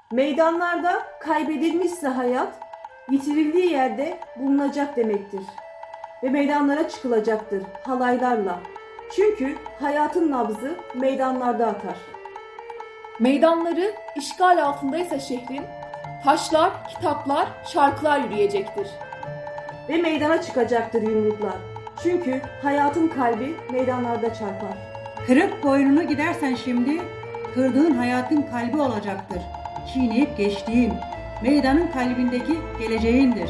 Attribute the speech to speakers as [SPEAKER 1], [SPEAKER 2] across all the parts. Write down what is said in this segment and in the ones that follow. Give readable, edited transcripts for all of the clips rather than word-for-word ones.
[SPEAKER 1] Meydanlarda kaybedilmişse hayat, yitirildiği yerde bulunacak demektir. Ve meydanlara çıkılacaktır halaylarla. Çünkü hayatın nabzı meydanlarda atar.
[SPEAKER 2] Meydanları işgal altındaysa şehrin, taşlar, kitaplar, şarkılar yürüyecektir.
[SPEAKER 1] Ve meydana çıkacaktır yumruklar. Çünkü hayatın kalbi meydanlarda çarpar.
[SPEAKER 3] Kırıp boynunu gidersen şimdi, kırdığın hayatın kalbi olacaktır. Çiğneyip geçtiğin, meydanın kalbindeki geleceğindir.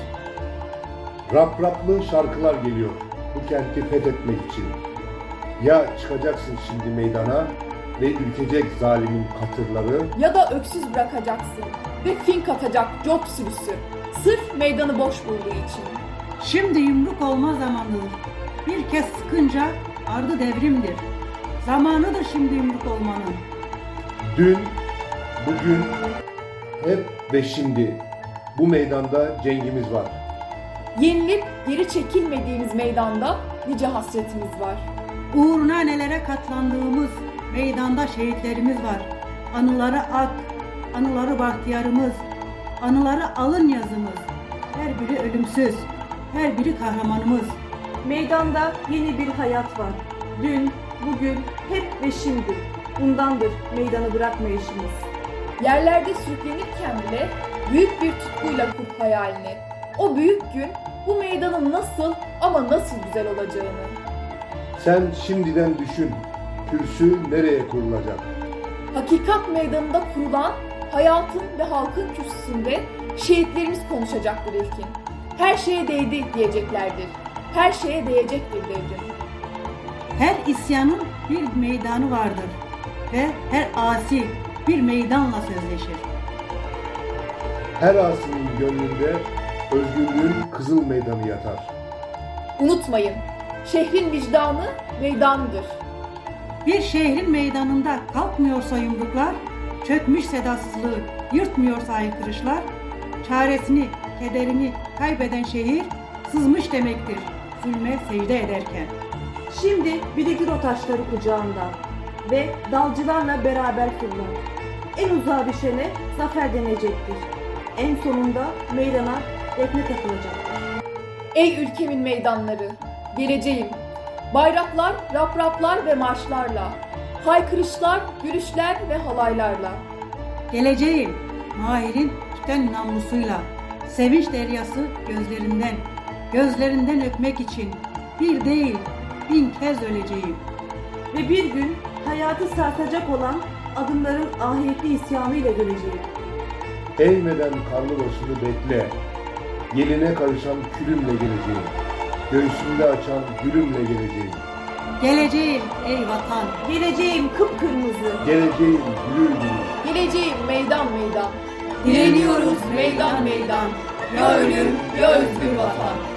[SPEAKER 4] Rap şarkılar geliyor bu kenti fethetmek için. Ya çıkacaksın şimdi meydana ve ürkecek zalimin katırları,
[SPEAKER 2] Ya da öksüz bırakacaksın ve fink atacak cop sürüsü, sırf meydanı boş bulduğu için.
[SPEAKER 3] Şimdi yumruk olma zamanıdır. Bir kez sıkınca ardı devrimdir. Zamanıdır şimdi yumruk olmanın.
[SPEAKER 4] dün, bugün, hep ve şimdi bu meydanda cengimiz var.
[SPEAKER 2] Yenilip geri çekilmediğimiz meydanda nice hasretimiz var.
[SPEAKER 3] Uğruna nelere katlandığımız meydanda şehitlerimiz var. Anıları ak, anıları bahtiyarımız, anıları alın yazımız. Her biri ölümsüz, her biri kahramanımız.
[SPEAKER 1] Meydanda yeni bir hayat var. Dün, bugün, hep ve şimdi. Bundandır meydanı bırakmayışımız.
[SPEAKER 2] Yerlerde sürüklenirken bile büyük bir tutkuyla kur hayalini. O büyük gün bu meydanın nasıl ama nasıl güzel olacağını.
[SPEAKER 4] Sen şimdiden düşün, kürsü nereye kurulacak?
[SPEAKER 2] Hakikat meydanında kurulan hayatın ve halkın kürsüsünde şehitlerimiz konuşacaktır ilkin. Her şeye değdi diyeceklerdir. Her şeye değecektir devrim.
[SPEAKER 3] Her isyanın bir meydanı vardır ve her asi bir meydanla sözleşir.
[SPEAKER 4] Her asinin gönlünde özgürlüğün kızıl meydanı yatar.
[SPEAKER 2] Unutmayın, şehrin vicdanı meydandır.
[SPEAKER 3] Bir şehrin meydanında kalkmıyorsa yumruklar, çökmüş sedasızlığı yırtmıyorsa haykırışlar, çaresini, kederini kaybeden şehir sızmış demektir zulme secde ederken.
[SPEAKER 1] Şimdi biridir o taşları kucağında ve dalcılarla beraber fırlar. En uzağa düşene zafer denecektir. En sonunda meydana defne takılacaktır.
[SPEAKER 2] Ey ülkemin meydanları, geleceğim. Bayraklar, rapraplar ve marşlarla, haykırışlar, gülüşler ve halaylarla.
[SPEAKER 3] Geleceğim Mahir'in tüten namlusuyla, sevinç deryası gözlerinden, gözlerinden öpmek için bir değil 1000 kez öleceğim.
[SPEAKER 1] Ve bir gün hayatı sarsacak olan adımların ahiretli isyanıyla göreceğim.
[SPEAKER 4] Eğmeden karlı başını bekle, yeline karışan külümle geleceğim. Göğsümde açan gülümle geleceğim.
[SPEAKER 3] Geleceğim ey vatan,
[SPEAKER 1] Geleceğim kıpkırmızı.
[SPEAKER 4] Geleceğim gülür gülür.
[SPEAKER 2] Geleceğim meydan meydan.
[SPEAKER 3] direniyoruz meydan meydan,
[SPEAKER 2] Ya ölüm ya özgür vatan.